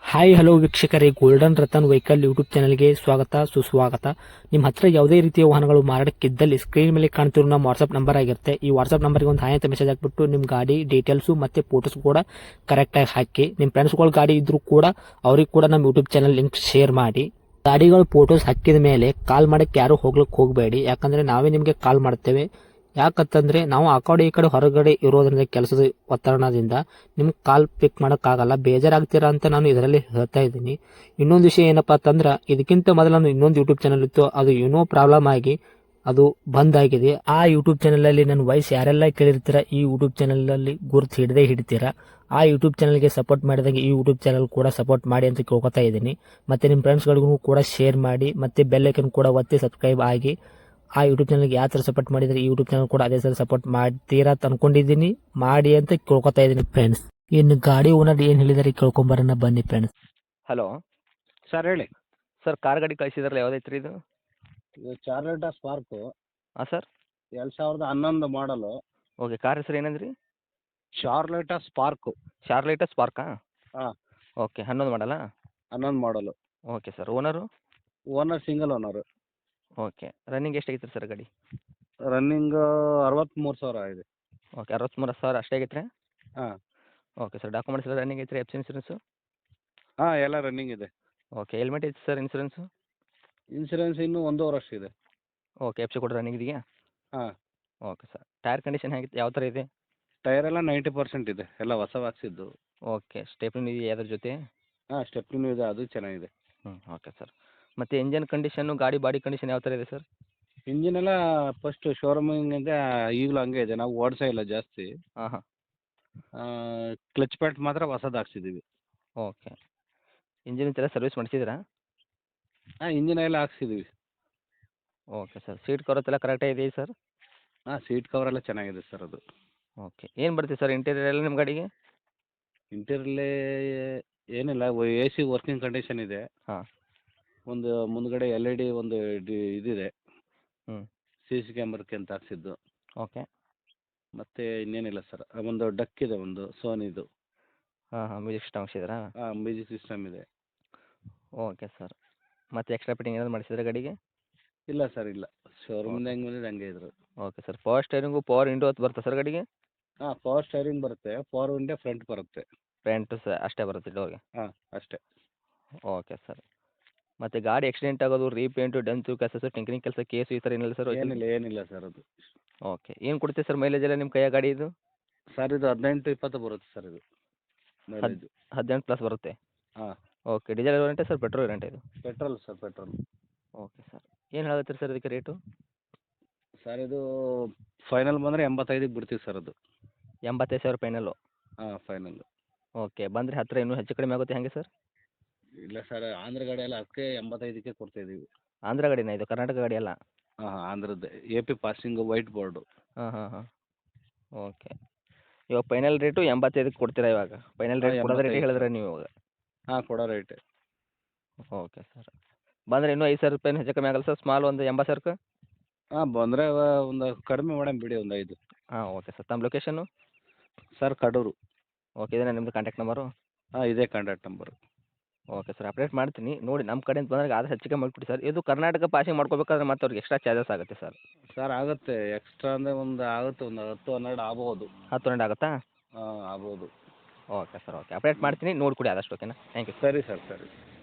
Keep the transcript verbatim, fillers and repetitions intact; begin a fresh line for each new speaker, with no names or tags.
Hi hello ವೀಕ್ಷಕರೇ, golden Ratan vehicle YouTube ಚಾನಲ್ಗೆ ಸ್ವಾಗತ ಸುಸ್ವಾಗತ. ನಿಮ್ಮ ಹತ್ರ ಯಾವುದೇ ರೀತಿಯ ವಾಹನಗಳು ಮಾರಾಟಕ್ಕಿದ್ದಲ್ಲಿ ಸ್ಕ್ರೀನ್ ಮೇಲೆ ಕಾಣ್ತಿರೋ ನಮ್ಮ ವಾಟ್ಸ್ಆಪ್ ನಂಬರ್ ಆಗಿರುತ್ತೆ. ಈ ವಾಟ್ಸ್ಆಪ್ ನಂಬರ್ಗೆ ಒಂದು ಹಾಯ್ ಅಂತ ಮೆಸೇಜ್ ಹಾಕ್ಬಿಟ್ಟು ನಿಮ್ಮ ಗಾಡಿ ಡೀಟೇಲ್ಸು ಮತ್ತೆ ಫೋಟೋಸ್ ಕೂಡ ಕರೆಕ್ಟಾಗಿ ಹಾಕಿ. ನಿಮ್ಮ ಫ್ರೆಂಡ್ಸ್ಗಳ ಗಾಡಿ ಇದ್ರೂ ಕೂಡ ಅವ್ರಿಗೆ ಕೂಡ ನಮ್ಮ ಯೂಟ್ಯೂಬ್ ಚಾನಲ್ ಲಿಂಕ್ ಶೇರ್ ಮಾಡಿ. ಗಾಡಿಗಳು ಫೋಟೋಸ್ ಹಾಕಿದ ಮೇಲೆ ಕಾಲ್ ಮಾಡಕ್ಕೆ ಯಾರು ಹೋಗ್ಲಿಕ್ಕೆ ಹೋಗಬೇಡಿ, ಯಾಕಂದ್ರೆ ನಾವೇ ನಿಮಗೆ ಕಾಲ್ ಮಾಡ್ತೇವೆ. ಯಾಕಂತಂದ್ರೆ ನಾವು ಆ ಕಡೆ ಈ ಕಡೆ ಹೊರಗಡೆ ಇರೋದ್ರಿಂದ ಕೆಲಸದ ಒತ್ತಡದಿಂದ ನಿಮ್ಗೆ ಕಾಲ್ ಪಿಕ್ ಮಾಡೋಕ್ಕಾಗಲ್ಲ, ಬೇಜಾರಾಗ್ತೀರಾ ಅಂತ ನಾನು ಇದರಲ್ಲಿ ಹೇಳ್ತಾ ಇದ್ದೀನಿ. ಇನ್ನೊಂದು ವಿಷಯ ಏನಪ್ಪಾ ಅಂತಂದ್ರೆ, ಇದಕ್ಕಿಂತ ಮೊದಲು ನಾನು ಇನ್ನೊಂದು ಯೂಟ್ಯೂಬ್ ಚಾನಲ್ ಇತ್ತು, ಅದು ಏನೋ ಪ್ರಾಬ್ಲಮ್ ಆಗಿ ಅದು ಬಂದ್ ಆಗಿದೆ. ಆ ಯೂಟ್ಯೂಬ್ ಚಾನಲ್ ಅಲ್ಲಿ ನನ್ನ ವಾಯ್ಸ್ ಯಾರೆಲ್ಲ ಕೇಳಿರ್ತೀರಾ, ಈ ಯೂಟ್ಯೂಬ್ ಚಾನಲ್ ಅಲ್ಲಿ ಗುರುತು ಹಿಡದೆ ಹಿಡಿತೀರಾ. ಆ ಯೂಟ್ಯೂಬ್ ಚಾನಲ್ಗೆ ಸಪೋರ್ಟ್ ಮಾಡಿದಾಗ ಈ ಯೂಟ್ಯೂಬ್ ಚಾನಲ್ ಕೂಡ ಸಪೋರ್ಟ್ ಮಾಡಿ ಅಂತ ಕೇಳ್ಕೊತಾ ಇದ್ದೀನಿ. ಮತ್ತೆ ನಿಮ್ಮ ಫ್ರೆಂಡ್ಸ್ಗಳಿಗೂ ಕೂಡ ಶೇರ್ ಮಾಡಿ, ಮತ್ತೆ ಬೆಲ್ ಐಕನ್ ಕೂಡ ಒತ್ತಿ ಸಬ್ಸ್ಕ್ರೈಬ್ ಆಗಿ. ಆ ಯೂಟ್ಯೂಬ್ ಚಾನಲ್ಗೆ ಯಾವ ಥರ ಸಪೋರ್ಟ್ ಮಾಡಿದರೆ ಈ ಯೂಟ್ಯೂಬ್ ಚಾನಲ್ ಕೂಡ ಅದೇ ಥರ ಸಪೋರ್ಟ್ ಮಾಡ್ತೀರಾ ಅಂತ ಅನ್ಕೊಂಡಿದ್ದೀನಿ. ಮಾಡಿ ಅಂತ ಕೇಳ್ಕೊತಾ ಇದ್ದೀನಿ ಫ್ರೆಂಡ್ಸ್. ಇನ್ನು ಗಾಡಿ ಓನರ್ ಏನು ಹೇಳಿದಾರೆ ಕೇಳ್ಕೊಂಬರೋಣ ಬನ್ನಿ ಫ್ರೆಂಡ್ಸ್.
ಹಲೋ
ಸರ್ ಹೇಳಿ.
ಸರ್, ಕಾರ್ ಗಾಡಿ ಕಳಿಸಿದ್ರಲ್ಲ, ಯಾವುದೈತೆ ರೀ ಇದು?
ಇದು ಚಾರ್ಲೆಟಾ ಸ್ಪಾರ್ಕು
ಹಾಂ ಸರ್.
ಎರಡು ಸಾವಿರದ ಹನ್ನೊಂದು ಮಾಡಲು.
ಓಕೆ, ಕಾರ್ ಹೆಸರು ಏನಂದ್ರಿ?
Chevrolet Spark.
ಶಾರ್ಲೇಟ ಸ್ಪಾರ್ಕಾ?
ಹಾಂ,
ಓಕೆ, ಹನ್ನೊಂದು ಮಾಡಲ್ಲ.
ಹನ್ನೊಂದು model.
Okay sir. Owner?
Owner single owner.
Okay. Running ಎಷ್ಟಾಗೈತೆ ಸರ್ ಗಾಡಿ?
ರನ್ನಿಂಗ್ ಅರವತ್ತ್ಮೂರು ಸಾವಿರ ಇದೆ.
ಓಕೆ, ಅರವತ್ತ್ಮೂರು ಸಾವಿರ ಅಷ್ಟೇ ಆಗೈತೆ ರೀ?
ಹಾಂ
ಓಕೆ ಸರ್. ಡಾಕ್ಯುಮೆಂಟ್ಸ್ ಎಲ್ಲ ರನ್ನಿಂಗ್ ಐತೆ ರೀ? F C insurance?
ಹಾಂ, ಎಲ್ಲ ರನ್ನಿಂಗ್ ಇದೆ.
ಓಕೆ. ಹೆಲ್ಮೆಟ್ ಐತೆ ಸರ್ ಇನ್ಸೂರೆನ್ಸು?
ಇನ್ಸೂರೆನ್ಸ್ ಇನ್ನೂ ಒಂದೂವರೆ ವರ್ಷ ಇದೆ.
ಓಕೆ. ಎಫ್ ಸಿ ಕೂಡ ರನ್ನಿಂಗ್ ಇದೆಯಾ?
ಹಾಂ,
ಓಕೆ ಸರ್. ಟೈರ್ ಕಂಡೀಷನ್ ಹೇಗಿತ್ತು, ಯಾವ ಥರ ಇದೆ?
ಟೈರ್ ಎಲ್ಲ ನೈಂಟಿ ಪರ್ಸೆಂಟ್ ಇದೆ, ಎಲ್ಲ ಹೊಸ ಹಾಕ್ಸಿದ್ದು.
ಓಕೆ. ಸ್ಟೆಪ್ನಿ ಇದೆಯಾ ಅದ್ರ ಜೊತೆ?
ಹಾಂ, ಸ್ಟೆಪ್ನಿನೂ ಇದೆ, ಅದು ಚೆನ್ನಾಗಿದೆ.
ಹ್ಞೂ, ಓಕೆ ಸರ್. ಮತ್ತು ಇಂಜನ್ ಕಂಡೀಷನ್ನು, ಗಾಡಿ ಬಾಡಿ ಕಂಡೀಷನ್ ಯಾವ ಥರ ಇದೆ ಸರ್?
ಇಂಜಿನ್ ಎಲ್ಲ ಫಸ್ಟು ಶೋರೂಮಿಂದ ಈಗಲೂ ಹಂಗೆ ಇದೆ, ನಾವು ಓಡಿಸೇ ಇಲ್ಲ ಜಾಸ್ತಿ.
ಹಾಂ ಹಾಂ.
ಕ್ಲಚ್ ಪ್ಯಾಟ್ ಮಾತ್ರ ಹೊಸದು ಹಾಕ್ಸಿದ್ದೀವಿ.
ಓಕೆ. ಇಂಜಿನ್ ಎಲ್ಲ ಸರ್ವಿಸ್ ಮಾಡಿಸಿದ್ರಾ?
ಹಾಂ, ಇಂಜಿನ್ ಎಲ್ಲ ಹಾಕ್ಸಿದ್ದೀವಿ.
Okay sir. ಸೀಟ್ ಕವರ್ಸ್ ಎಲ್ಲ ಕರೆಕ್ಟಾಗಿ ಇದೆಯಾ ಸರ್?
ಹಾಂ, ಸೀಟ್ ಕವರ್ ಎಲ್ಲ ಚೆನ್ನಾಗಿದೆ ಸರ್ ಅದು.
ಓಕೆ. ಏನು ಬರುತ್ತೆ ಸರ್ ಇಂಟೀರಿಯರ್ ಎಲ್ಲ ನಿಮ್ಮ ಗಾಡಿಗೆ?
ಇಂಟೀರಿಯರ್ಲಿ ಏನಿಲ್ಲ, ಎ ಸಿ ವರ್ಕಿಂಗ್ ಕಂಡೀಷನ್ ಇದೆ.
ಹಾಂ.
ಒಂದು ಮುಂದ್ಗಡೆ ಎಲ್ ಇ ಡಿ ಒಂದು ಡಿ ಇದಿದೆ,
ಹ್ಞೂ.
ಸಿ ಸಿ ಕ್ಯಾಮ್ರಕ್ಕೆ ಅಂತ ಹಾಕ್ಸಿದ್ದು.
ಓಕೆ.
ಮತ್ತು ಇನ್ನೇನಿಲ್ಲ ಸರ್, ಒಂದು ಡಕ್ ಇದೆ, ಒಂದು ಸೋನಿದು.
ಹಾಂ ಹಾಂ. ಮ್ಯೂಸಿಕ್ ಸಿಸ್ಟಮ್ ಹಾಕ್ಸಿದ್ರಾ?
ಹಾಂ, ಮ್ಯೂಸಿಕ್ ಸಿಸ್ಟಮ್ ಇದೆ.
Okay sir. ಮತ್ತು ಎಕ್ಸ್ಟ್ರಾ ಫಿಟ್ಟಿಂಗ್ ಏನಾದ್ರು ಮಾಡಿಸಿದ್ರಾ ಗಾಡಿಗೆ?
ಇಲ್ಲ ಸರ್, ಇಲ್ಲ, ಶೋರೂಮಿಂದ
ಓಕೆ.
ಹೆಂಗೆ ಬಂದಿದೆ ಹಂಗೆ ಇದ್ರು.
Okay sir. Power steering, power window ಅದು ಬರುತ್ತಾ ಸರ್ ಗಾಡಿಗೆ?
ಹಾಂ, ಪವರ್ ಸ್ಟೈರಿಂಗ್ ಬರುತ್ತೆ, ಪವರ್ ವಿಂಡೋ ಫ್ರಂಟ್ ಬರುತ್ತೆ.
ಫ್ರಂಟು ಸ ಅಷ್ಟೇ ಬರುತ್ತೆ ಡೋರ್ಗೆ?
ಹಾಂ, ಅಷ್ಟೇ.
Okay sir. ಮತ್ತು ಗಾಡಿ ಆಕ್ಸಿಡೆಂಟ್ ಆಗೋದು, ರೀಪೇಂಟು, ಡೆಂತು, ಕೆಸಸು, ಟಿಂಕರಿಂಗ್ ಕೆಲಸ, ಕೇಸು ಈ ಥರ ಏನಿಲ್ಲ ಸರ್?
ಏನಿಲ್ಲ ಏನಿಲ್ಲ ಸರ್ ಅದು.
ಓಕೆ. ಏನು ಕೊಡುತ್ತೆ ಸರ್ ಮೈಲೇಜ್ ಎಲ್ಲ ನಿಮ್ಮ ಕೈಯಾಗ ಗಾಡಿ ಇದು?
ಸರ್ ಇದು ಹದಿನೆಂಟು ಇಪ್ಪತ್ತು ಬರುತ್ತೆ ಸರ್ ಇದು
ಹದ್
ಮೈಲೇಜು.
ಹದಿನೆಂಟು ಪ್ಲಸ್ ಬರುತ್ತೆ?
ಹಾಂ,
ಓಕೆ. ಡೀಸೆಲ್ ವೇರಿಯಂಟಾ ಸರ್, ಪೆಟ್ರೋಲ್ ವೇರಿಯಂಟಾ ಇದು?
Petrol sir, petrol.
Okay sir. ಏನು ಹೇಳತ್ತೀರಿ ಸರ್ ಇದಕ್ಕೆ ರೇಟು?
ಸರ್ ಇದು ಫೈನಲ್ ಬಂದರೆ ಎಂಬತ್ತೈದಕ್ಕೆ ಬಿಡ್ತೀವಿ ಸರ್ ಅದು.
ಎಂಬತ್ತೈದು ಸಾವಿರ ಫೈನಲ್ಲು?
ಹಾಂ, ಫೈನಲ್ಲು.
ಓಕೆ. ಬಂದರೆ ಹತ್ತಿರ ಇನ್ನೂ ಹೆಚ್ಚು ಕಡಿಮೆ ಆಗುತ್ತೆ ಹೇಗೆ ಸರ್?
ಇಲ್ಲ ಸರ್, ಆಂಧ್ರ ಗಾಡಿ ಎಲ್ಲ ಅದಕ್ಕೆ ಎಂಬತ್ತೈದಕ್ಕೆ ಕೊಡ್ತಾಯಿದ್ದೀವಿ.
ಆಂಧ್ರ ಗಾಡಿನಾ ಇದು, ಕರ್ನಾಟಕ ಗಾಡಿ ಅಲ್ಲ?
ಹಾಂ ಹಾಂ, ಆಂಧ್ರದ್ದೇ, A P passing white board.
ಹಾಂ ಹಾಂ ಹಾಂ. ಓಕೆ. ಇವಾಗ ಫೈನಲ್ ರೇಟು ಎಂಬತ್ತೈದಕ್ಕೆ ಕೊಡ್ತೀರಾ ಇವಾಗ? ಫೈನಲ್ ರೇಟ್
ಹಾಂ,
ಕೊಡೋದು ರೇಟ್
ಎಂಬತ್ತೈದು
ಹೇಳಿದ್ರೆ
ಸರ್.
ನೀವು ಇವಾಗ?
ಹಾಂ, ಕೊಡೋ ರೇಟೇ.
Okay sir. ಬಂದರೆ ಇನ್ನೂ ಐದು ಸಾವಿರ ರೂಪಾಯಿ ಹೆಚ್ಚು ಕಮ್ಮಿ ಆಗಲ್ಲ ಸರ್? ಸ್ಮಾಲ್ ಒಂದು ಎಂಬತ್ತು ಸಾವಿರಕ್ಕೆ?
ಹಾಂ, ಬಂದರೆ ಒಂದು ಕಡಿಮೆ ಮಾಡಮ್ ಬಿಡಿ, ಒಂದು ಐದು.
ಹಾಂ, ಓಕೆ ಸರ್. ತಮ್ಮ ಲೊಕೇಶನ್ನು?
ಸರ್, ಕಡೂರು.
ಓಕೆ. ಇದೇನಾ ನಿಮ್ಮದು ಕಾಂಟ್ಯಾಕ್ಟ್ ನಂಬರು?
ಹಾಂ, ಇದೇ contact number.
Okay sir. Update ಮಾಡ್ತೀನಿ ನೋಡಿ, ನಮ್ಮ ಕಡೆಯಿಂದ ಬಂದಾಗ ಆದಷ್ಟು ಹೆಚ್ಚಿಗೆ ಮಾಡಿಕೊಡಿ ಸರ್. ಇದು ಕರ್ನಾಟಕ ಪಾಸಿಂಗ್ ಮಾಡ್ಕೋಬೇಕಾದ್ರೆ ಮತ್ತೆ ಅವ್ರಿಗೆ ಎಕ್ಸ್ಟ್ರಾ ಚಾರ್ಜಸ್ ಆಗುತ್ತೆ ಸರ್?
ಸರ್ ಆಗುತ್ತೆ, ಎಕ್ಸ್ಟ್ರಾ ಅಂದರೆ ಒಂದು ಆಗುತ್ತೆ, ಒಂದು ಹತ್ತು ಹನ್ನೆರಡು ಆಗ್ಬೋದು.
ಹತ್ತು ಹನ್ನೆರಡು ಆಗುತ್ತಾ?
ಹಾಂ, ಆಗ್ಬೋದು.
Okay sir. ಓಕೆ. ಅಪ್ಡೇಟ್ ಮಾಡ್ತೀನಿ, ನೋಡಿಕೊಡಿ ಆದಷ್ಟು. ಓಕೆನಾ? Thank you.
ಸರಿ ಸರ್, ಸರಿ.